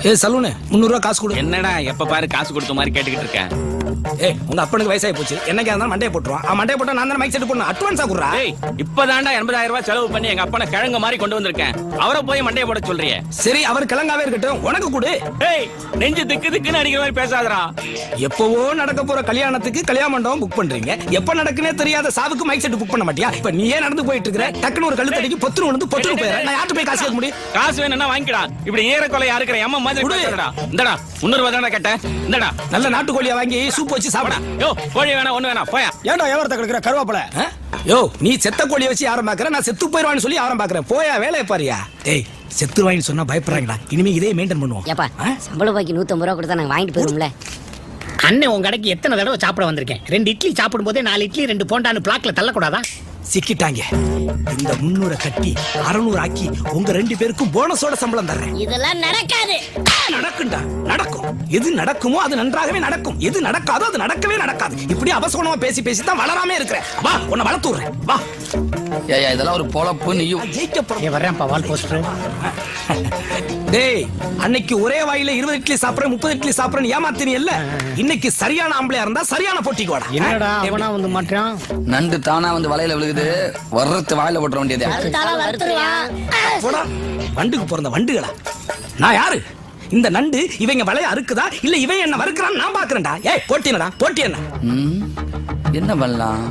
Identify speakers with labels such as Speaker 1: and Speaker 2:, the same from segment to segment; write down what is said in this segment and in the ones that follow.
Speaker 1: ஏ saloon 300 ரூபா காசு கொடு.
Speaker 2: என்னடா எப்ப பாரு காசு கொடுத்த மாதிரி கேட்டுக்கிட்டு இருக்கேன்.
Speaker 1: ஏய் உங்க அப்பனுக்கு வயசாகி போச்சு, என்னைக்கா இருந்தாலும் மண்டையை போட்டுருவான். மண்டையை போட்டா நான் தானே மைக் செட் போடணும். அட்வான்ஸா குடுறா.
Speaker 2: ஏய் இப்பதான்டா 80,000 ரூபாய் செலவு பண்ணி எங்க அப்பனை கிழங்கு மாதிரி கொண்டு வந்திருக்கேன். அவரை போய் மண்டையை போட சொல்றியே.
Speaker 1: சரி அவர் கிழங்காவே இருக்கட்டும், உனக்கு கொடு.
Speaker 2: ஏய் நெஞ்சு திக்கு திக்குன்னு அடிக்கிற மாதிரி பேசாதடா.
Speaker 1: எப்பவோ நடக்க போற கல்யாணத்துக்கு கல்யாண மண்டபம் புக் பண்றீங்க, எப்ப நடக்குனே தெரியாத சாவுக்கு மைக் செட் புக் பண்ண மாட்டியா? இப்ப நீயே நடந்து போயிட்டு இருக்கிற, டக்குனு ஒரு கழுத்தடிக்கு பொத்துன்னு விழுந்து பொத்துன்னு போயிடுற. நான் யார்கிட்ட போய் காசு கேட்க முடியும்?
Speaker 2: காசு வேணும்னா வாங்கிடா. இப்படி ஏறக்கொலையா இருக்கிற எம்ம மாதிரி பேசுறடா. இந்தடா 300 ரூபாய் தானே கேட்டேன். இந்தடா
Speaker 1: நல்ல நாட்டுக்கோழியா வாங்கி சூப் வச்சு சாப்பிடா.
Speaker 2: யோ கோழி வேணா ஒண்ணு வேணா போயா.
Speaker 1: ஏன்டா வியாபாரத்தை கிடக்குற கருவாப்பல? யோ நீ செத்த கோழியை வச்சு யாரும் பாக்குற, நான் செத்து போயிடுவான்னு சொல்லி யாரும் பாக்குறேன். போயா வேலையை பாரியா. டேய் செத்துருவாயின்னு சொன்னா பயப்படுறாங்கடா. இனிமே இதே மெயின்டைன் பண்ணுவோம்.
Speaker 3: ஏப்பா சம்பள பாக்கி 150 ரூபா கொடுத்தா நாங்க வாங்கிட்டு போயிருவோம்ல.
Speaker 4: அண்ணன் உங்க கடைக்கு எத்தனை தடவை சாப்பிட வந்திருக்கேன். 2 இட்லி சாப்பிடும் போதே 4 இட்லி 2 போண்டான்னு பிளாக்ல தள்ளக்கூடாதா?
Speaker 1: சிக்கிட்டாங்க. இந்த 300 கட்டி 600 ஆக்கி உங்க 2 பேருக்கும் போனஸோட சம்பளம் தர்றேன்.
Speaker 3: இதெல்லாம் நடக்காது.
Speaker 1: நடக்கும்டா, நடக்கும். எது நடக்குமோ அது நன்றாகவே நடக்கும், எது நடக்காதோ அது நடக்கவே நடக்காது. இப்படி அவசரமா பேசி பேசி தான் வளராமே இருக்கிறேன். வா உன்னை வளர்த்து விடுறேன் வா.
Speaker 5: ஏய் இதெல்லாம் ஒரு பொழப்பு. நீயும்
Speaker 1: ஜெயிக்க போறேன்.
Speaker 4: வர்றேன்ப்பா வால் போஸ்டர்.
Speaker 1: டேய் அன்னைக்கு ஒரே வாயில 20 இட்லி சாப்பிடுறேன் 30 இட்லி சாப்பிடுறேன் ஏமாத்தினி இல்ல. இன்னைக்கு சரியான ஆம்பளையா இருந்தா சரியான போட்டிக்கு வாடா.
Speaker 4: என்னடா அவனா வந்து மாட்டான்.
Speaker 5: நண்டு தானா வந்து வலையில விழுகுது, வர்றது வாயில போட்டுற வேண்டியது.
Speaker 1: போடா வண்டுக்கு பிறந்த வண்டுகளா. நான் யாரு? இந்த நண்டு இவங்க வலைய அறுக்குதா இல்ல இவன் என்ன வறுக்குறான்னு நான் பாக்குறேன்டா. ஏய் போட்டினடா போட்டி என்ன?
Speaker 5: என்ன பண்ணலாம்?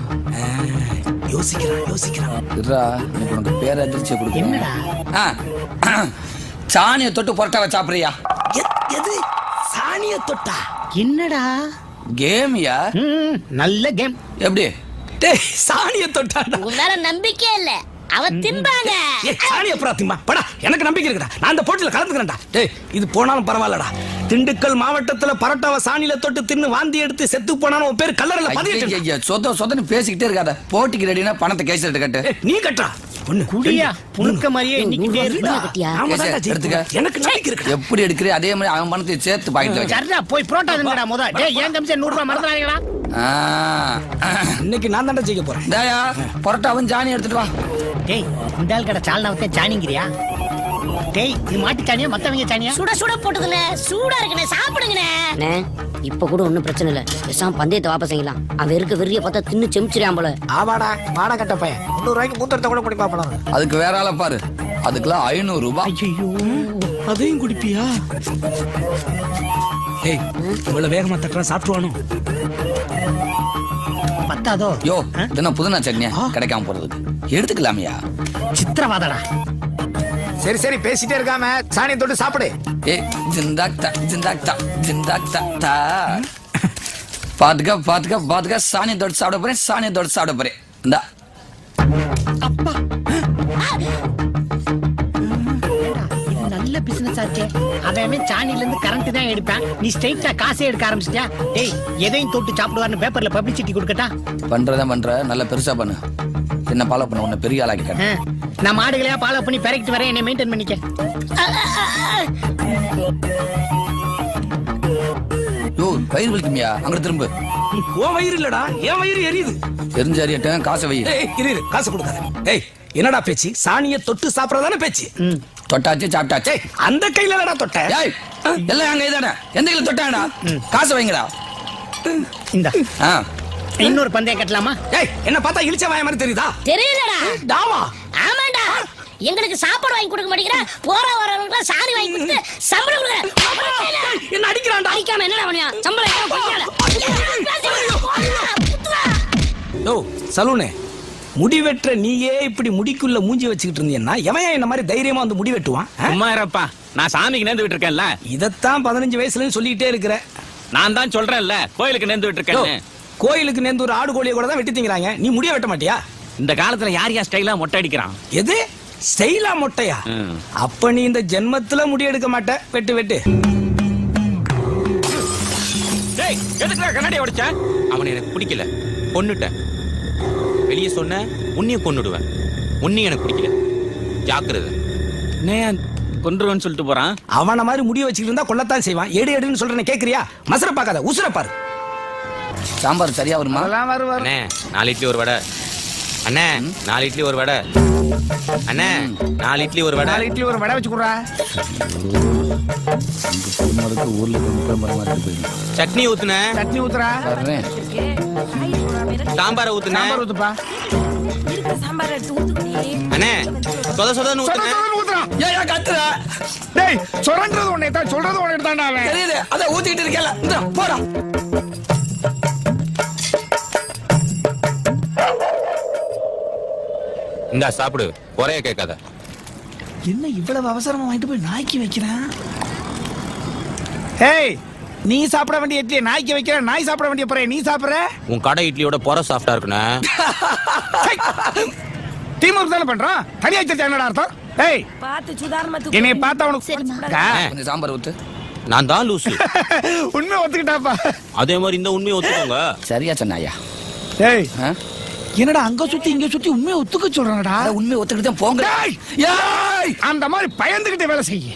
Speaker 1: யோசிக்கிறான்.
Speaker 5: இருடா உனக்கு பேர் அதிர்ச்சியை கொடுக்க.
Speaker 4: என்னடா
Speaker 5: சாணியை தொட்டு பொரட்டாவை சாப்பிடுறியா?
Speaker 1: எது சாணிய தொட்டா?
Speaker 4: என்னடா
Speaker 5: கேமியா?
Speaker 4: நல்ல கேம்.
Speaker 5: எப்படி?
Speaker 1: டேய் சாணிய தொட்டா?
Speaker 3: உங்க மேல நம்பிக்கை இல்ல, அவ திம்பாங்க.
Speaker 1: ஏய் சாணிய புறா திம்பா படா. எனக்கு நம்பிக்கை இருக்குடா, நான் அந்த போட்டியில கலந்துக்கிறேன்டா. டேய் இது போனாலும் பரவாயில்லடா. திண்டுக்கல் மாவட்டத்துல பரோட்டாவை சாணியில தொட்டு தின்னு வாந்தி எடுத்து செத்து போனாலும் உன் பேர் கல்லறையில பதியட்டு.
Speaker 5: சொதன்னு பேசிக்கிட்டே இருக்காத. போட்டிக்கு ரெடினா பணத்தை கேஸ் கட்டு.
Speaker 1: நீ கட்டா ஒண்ணு
Speaker 4: குடியா புழுக்க மாதிரியே இன்னைக்கு
Speaker 5: எடுத்துக்க.
Speaker 1: எனக்கு நம்பிக்கை இருக்கு.
Speaker 5: எப்படி எடுக்கிறே அதே மாதிரி அவன் பணத்தை சேர்த்து பாக்கிட்டு வை.
Speaker 4: சரிடா போய் புரோட்டா தின்னுடா முத. டேய் ஏன் தம்பி 100 ரூபாய் மறந்துறாங்கடா.
Speaker 1: இன்னைக்கு நான் தான்டா ஜெயிக்க போறேன்.
Speaker 5: டேயா பரோட்டாவும் சாணி எடுத்துட்டு வா.
Speaker 4: டேய் இந்தால் கடை சால்னாவத்தே சாணிங்கிறியா? டேய் இது மாட்டு சாணியா மத்தவங்க சாணியா?
Speaker 3: சுட சுட போட்டுதுனே, சூடா இருக்குனே, சாப்பிடுங்கனே. அண்ணே இப்ப கூட ஒண்ணும் பிரச்சனை இல்ல, பேசாம பந்தயத்தை வாபஸ் செய்யலாம். அவன் இருக்க வெறிய பார்த்தா தின்னு செமிச்சிரான் போல.
Speaker 1: ஆவாடா வாடா கட்ட பையன் 300 ரூபாய்க்கு மூத்தரத்தை கூட குடி பாப்பலாம்.
Speaker 5: அதுக்கு வேற ஆள பாரு, அதுக்குலாம் 500 ரூபாய்.
Speaker 1: ஐயோ அதையும் குடிப்பியா? ஏய் இவ்வளவு வேகமா தட்டறா சாப்பிடுவானோ?
Speaker 4: பத்தாதோ?
Speaker 5: யோ இதென்ன புதுனா சட்னியா கிடைக்காம போறதுக்கு? எடுத்துக்கலாமியா?
Speaker 4: சித்திரவாதடா.
Speaker 1: சரி சரி பேசிட்டே இருக்காம சாணியை தொட்டு சாப்பிடு.
Speaker 5: ஏய் ஜிந்தாக்தா ஜிந்தாக்தா ஜிந்தாக்தா. பாத்துக்க சாணியை தொட்டு சாப்பிட போறேன், சாணியை தொட்டு சாப்பிட போறேன். இந்தா
Speaker 4: அப்பா நல்ல பிசினஸ் ஆச்சே. அவன் சாணில இருந்து கரண்ட் தான் எடுப்பான், நீ ஸ்ட்ரைட்டா காசே எடுக்க ஆரம்பிச்சிட்டியா? டேய் எதையும் தொட்டு சாப்பிடுவார்னு பேப்பர்ல பப்ளிசிட்டி கொடுக்கட்டா?
Speaker 5: பண்றதான் பண்ற, நல்ல பெருசா பண்ணு. என்ன ஃபாலோ பண்ண உன்னை பெரிய ஆளாக்கி காட்டு.
Speaker 4: நான் மாடுகளையா ஃபாலோ பண்ணி பெரக்கிட்டு வரேன், என்னை மெயின்டைன் பண்ணிக்க.
Speaker 5: யோ வயிறு வலிக்குமியா? அங்க திரும்ப.
Speaker 1: உன் வயிறு இல்லடா என் வயிறு எரியுது.
Speaker 5: தெரிஞ்ச அறியட்டேன் காசை வை.
Speaker 1: இரு காசு கொடுக்காத. ஏய் என்னடா பேச்சு? சாணியை தொட்டு சாப்பிடறதானே பேச்சு?
Speaker 5: தொட்டாச்சு சாப்பிட்டாச்சு.
Speaker 1: அந்த கையில என்னடா தொட்ட?
Speaker 5: ஏய் எல்லாம் அங்க இதானே, எந்த கையில தொட்டாடா? காசை வைங்கடா.
Speaker 4: இந்த இன்னொரு பந்தயம் கட்டலாமா?
Speaker 1: ஏய் என்ன பார்த்தா இழிச்ச வாய மாதிரி தெரியுதா?
Speaker 3: தெரியலடா.
Speaker 1: டாமா
Speaker 3: ஆமாடா, எங்களுக்கு சாப்பாடு வாங்கி கொடுக்க மாட்டேங்கற, போற வரவங்களுக்கு சாணி வாங்கி கொடுத்து சம்பளம் கொடுக்கற.
Speaker 1: என்ன அடிக்கறான்டா?
Speaker 3: அடிக்காம என்னடா பண்ணியா? சம்பளம் ஏன் கொடுக்கல?
Speaker 1: யோ சலூனே, முடி வெற்ற நீயே இப்படி முடிக்குள்ள மூஞ்சி வச்சுக்கிட்டு இருந்தீன்னா எவன் என்ன மாதிரி தைரியமா வந்து முடி வெட்டுவான்?
Speaker 2: சும்மா இருப்பா, நான் சாமிக்கு நேர்ந்து விட்டு இருக்கேன்ல.
Speaker 1: இதத்தான் 15 வயசுல சொல்லிக்கிட்டே இருக்கிற.
Speaker 2: நான் தான் சொல்றேன்ல கோயிலுக்கு நேர்ந்து விட்டு இருக்கேன்னு.
Speaker 1: கோயிலுக்கு நேர்ந்து ஒரு ஆடு கோழியை கூட தான் வெட்டி திங்கறாங்க, நீ முடிய வெட்ட மாட்டியா?
Speaker 2: இந்த காலத்துல யார் ஸ்டைலா மொட்டை அடிக்கிறான்?
Speaker 1: எது ஸ்டைலா மொட்டையா? அப்ப நீ இந்த ஜென்மத்துல முடி எடுக்க மாட்ட. வெட்டு வெட்டு.
Speaker 2: டேய் எதுக்குடா கண்ணாடி உடைச்ச? அவனை எனக்கு பிடிக்கல, கொன்னுட்டேன். வெளியே சொன்ன உன்னையும் கொன்னுடுவேன். உன்னையும் எனக்கு பிடிக்கல, ஜாக்கிரதை. கொன்றுவன்னு சொல்லிட்டு போறான்.
Speaker 1: அவன மாதிரி முடிய வச்சுக்கிட்டு இருந்தா கொல்லத்தான் செய்வான். எடு எடுன்னு சொல்றேன்னு கேக்குறியா? மசர பாக்காத, உசுர பாரு.
Speaker 5: சாம்பார் சரியா வருமா?
Speaker 2: அண்ணே 4 இட்லி ஒரு வடை. அண்ணே 4 இட்லி ஒரு வடை. அண்ணே 4 இட்லி ஒரு வடை.
Speaker 4: 4 இட்லி ஒரு வடை வச்சு குடுறா.
Speaker 5: ஊர்ல போயிடும்.
Speaker 2: சட்னி ஊத்துனே.
Speaker 4: சட்னி ஊத்துறா.
Speaker 5: வர்றேன்.
Speaker 2: சாம்பார் ஊத்துனே.
Speaker 4: சாம்பார் ஊத்துப்பா.
Speaker 2: அண்ணே சொத சொதன்னு ஊத்துனே.
Speaker 4: ஊத்துறா.
Speaker 1: ஏன் கத்துற?
Speaker 4: டேய் சொல்றது ஒண்ணே தான், சொல்றது ஒண்ணே தான்டா அவன்.
Speaker 1: தெரியுது, அத ஊத்திக்கிட்டு இருக்கல. இந்த போடா.
Speaker 2: இந்தா சாப்பிடு, குறைய கேட்காத.
Speaker 1: என்ன இவ்வளவு அவசரமா வாங்கிட்டு போய் நாய்க்கு வைக்கிறேன்?
Speaker 4: ஏய் நீ சாப்பிட வேண்டிய இட்லி நாய்க்கு வைக்கிற, நாய் சாப்பிட வேண்டிய பொறைய நீ சாப்பிடுற.
Speaker 2: உன் கடை இட்லியோட பொற சாஃப்டா இருக்குண்ணே.
Speaker 4: டீம் ஒர்க் தானே பண்றோம், தனியா வச்சிருச்சா என்னடா அர்த்தம்? ஏய்
Speaker 6: பாத்து சுதாரணமா
Speaker 4: என்னைய பார்த்தா உனக்கு
Speaker 5: கொஞ்சம் சாம்பார் ஊத்து.
Speaker 2: நான் தான் லூசு.
Speaker 4: உண்மை ஒத்துக்கிட்டாப்பா.
Speaker 2: அதே மாதிரி இந்த உண்மையை ஒத்துக்கோங்க.
Speaker 5: சரியா சொன்னாயா?
Speaker 4: ஏய்
Speaker 5: ஆ?
Speaker 4: என்னடா அங்க சுத்தி இங்க சுத்தி உண்மையை ஒத்துக்க சொல்றானடா.
Speaker 5: உண்மையை ஒத்துக்கிட்டு தான் போங்க.
Speaker 4: ஏய், அந்த மாதிரி பயந்துகிட்டு வேலை செய்ய.